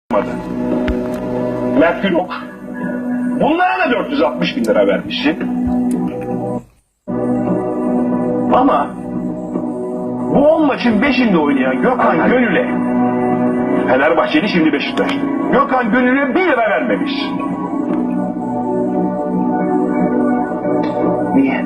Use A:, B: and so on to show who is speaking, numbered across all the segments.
A: Mert Günok. Bunlara da 460 bin lira vermişsin. Ama bu 10 maçın 5'inde oynayan Gökhan Gönül'e, Fenerbahçeli şimdi Beşiktaş'ta, Gökhan Gönül'e 1 lira vermemiş. Niye?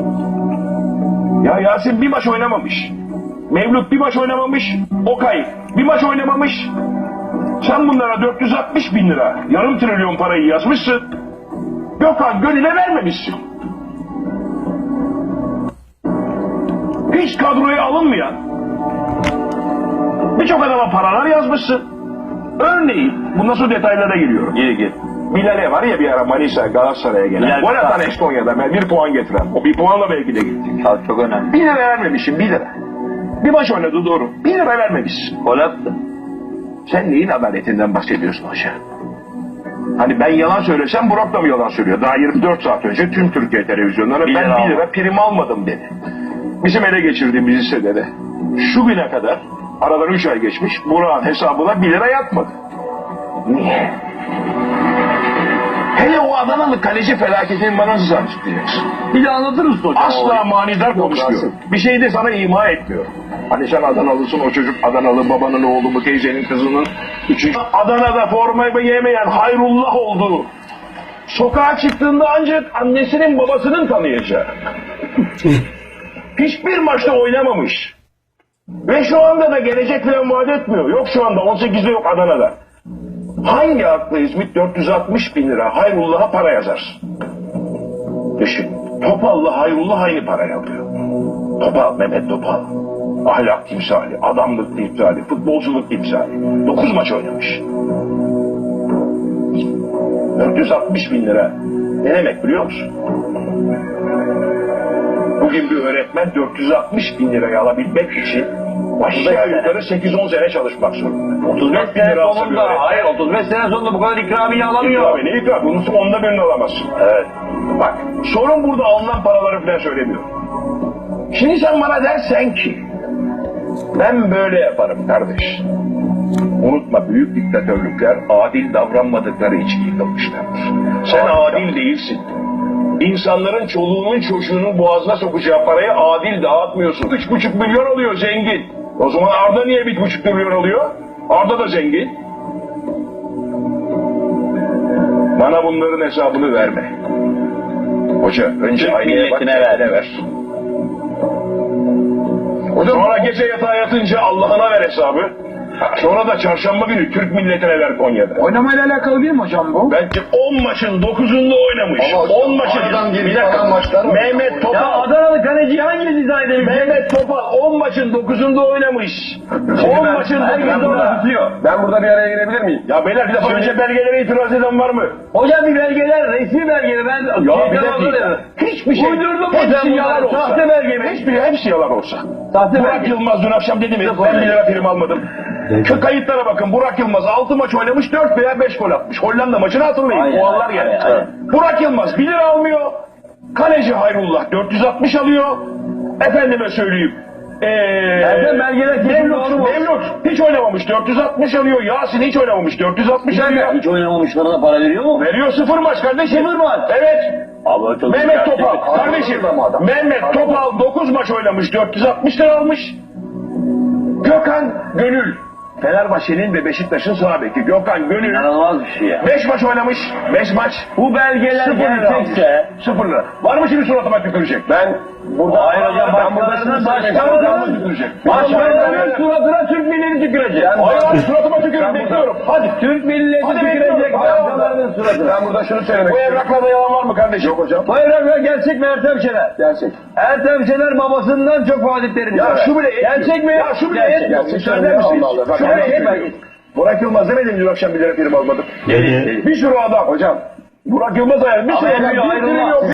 A: Ya Yasin bir maç oynamamış. Mevlüt bir maç oynamamış. Okay bir maç oynamamış. Sen bunlara 460 bin lira, yarım trilyon parayı yazmışsın. Gökhan Gönül'e vermemişsin. Hiç kadroya alınmayan birçok adama paralar yazmışsın. Örneğin, bundan sonra detaylara giriyorum.
B: Gir.
A: Bilal'e var ya bir ara Manisa Galatasaray'a gelen. Gol atan Estonya'da 1 puan getiren. O 1 puanla belki de gittik.
B: Çok önemli.
A: 1 lira vermemişsin, 1 lira. Bir maç oynadı doğru. 1 lira vermemişsin.
B: Gol attı.
A: Sen neyin adaletinden bahsediyorsun hoca? Hani ben yalan söylesem Burak da mı yalan söylüyor? Daha 24 saat önce tüm Türkiye televizyonları ben 1 lira prim almadım dedi. Bizim ele geçirdiğimiz hissede de şu güne kadar aradan 3 ay geçmiş Burak'ın hesabına 1 lira yatmadı. Niye? Hele o Adanalı kaleci felaketini bana nasıl açıklayacaksın?
B: Bir de anlatır mısın hocam?
A: Asla manidar konuşmuyor. Bir şey de sana ima etmiyor. Hani sen Adanalısın, o çocuk Adanalı, babanın oğlu mu, teyzenin kızının üçüncü. Adana'da formayı yemeyen Hayrullah oldu. Sokağa çıktığında ancak annesinin babasının tanıyacağı. Hiçbir maçta oynamamış. Ve şu anda da gelecek falan vaat etmiyor. Yok şu anda 18'de yok Adana'da. Hangi akla İzmit 460 bin lira Hayrullah'a para yazar? Düşün. Topal'la Hayrullah aynı parayı alıyor. Topal, Mehmet Topal. Ahlak timsali, adamlık timsali, futbolculuk timsali. 9 maç oynamış. 460 bin lira. Ne demek biliyor musun? Bugün bir öğretmen 460 bin lirayı alabilmek için aşağı yukarı 8-10 sene çalışmak zorunda.
B: 35 sene sonunda, hayır 35 sene sonunda bu kadar ikramiye alamıyor.
A: İkramiye ne ikramiye? Bunun onda birini alamazsın.
B: Evet.
A: Bak sorun burada alınan paraları falan söylemiyorum. Şimdi sen bana dersen ki ben böyle yaparım kardeş. Unutma büyük diktatörlükler adil davranmadıkları için yıkılmışlardır. Sen adil değilsin. İnsanların çoluğunun çocuğunun boğazına sokacağı parayı adil dağıtmıyorsun. 3,5 milyon alıyor zengin. O zaman Arda niye 1,5 milyon alıyor? Arda da zengin. Bana bunların hesabını verme. Hoca önce aynaya bak kendine ver. Sonra gece yatağa yatınca Allah'ına ver hesabı. Sonra da çarşamba günü Türk milletine ver Konya'da.
C: Oynamayla alakalı değil mi hocam bu?
A: Belki 10 maçın 9'unda oynamış. 10 maçın. Bir dakika. Mehmet Topal.
B: Ya Adanalı kaleci hangisi izah edebilir?
A: Mehmet Topal 10 maçın 9'unda oynamış. 10 maçın 9'unda tutuyor.
C: Ben burada bir araya girebilir miyim?
A: Ya beyler bir defa önce belgelere itiraz eden var mı?
B: Hocam bir belgeler, resmi belgeler. Ben
A: Ya bir dakika. Hiçbir şey.
B: Uydurdum
A: Hepsi
B: hocam
A: yalan olsa.
B: sahte belge mi?
A: Hepsi yalan olsa.
B: Sahte
A: Burak
B: belge.
A: Yılmaz dün akşam dedi mi? Ben 1 lira prim almadım. Şu kayıtlara bakın. Burak Yılmaz 6 maç oynamış 4 veya 5 gol atmış. Hollanda maçını hatırlayın.
B: Aynen,
A: Puanlar geldi.
B: aynen.
A: Burak Yılmaz 1 lira almıyor. Kaleci Hayrullah 460 alıyor. Efendime söyleyeyim.
B: Nereden belgeler kesin doğru mu?
A: Mevlüt hiç oynamamış 460 alıyor. Yasin hiç oynamamış 460 alıyor.
B: Hiç oynamamışlarına para veriyor mu?
A: Veriyor 0 maç kardeşim.
B: 0 maç.
A: Evet.
B: Abi çok
A: Mehmet
B: gerçek.
A: Topal kardeşim. Mehmet Topal 9 maç oynamış 460 lira almış. Gökhan Gönül. Fenerbahçe'nin ve Beşiktaş'ın sağ beki Gökhan Gönül.
B: İnanılmaz bir şey ya.
A: 5 maç oynamış. 5 maç.
B: Bu belgeler
A: 0 lira
B: gerçekse...
A: almış. 0 lira. Var mı şimdi suratıma tükürecek? Ben
B: Burada hayır hocam başkalarının başkalarının suratına Türk milleti tükürecek.
A: Hayır suratıma tükürün bekliyorum. Hadi.
B: Türk milleti tükürecek başkalarının suratına.
A: Ben burada şunu söylemek istiyorum. Bu evraklarda yalan var mı kardeşim? Yok hocam.
B: Bu evraklar gerçek mi Ertem Şener?
A: Gerçek.
B: Ertem Şener babasından çok vaatlerini
A: Ya şu bile yetmiyor.
B: gerçek mi?
A: Ya şu bile yetmiyor. Müsaade misiniz? Şu bile yetmiyor. Burak Yılmaz demedim dün akşam 1 lira prim almadım. Bir sürü adam. Hocam. Burak Yılmaz ayarlı. Bir sürü adam. Bir prim yok.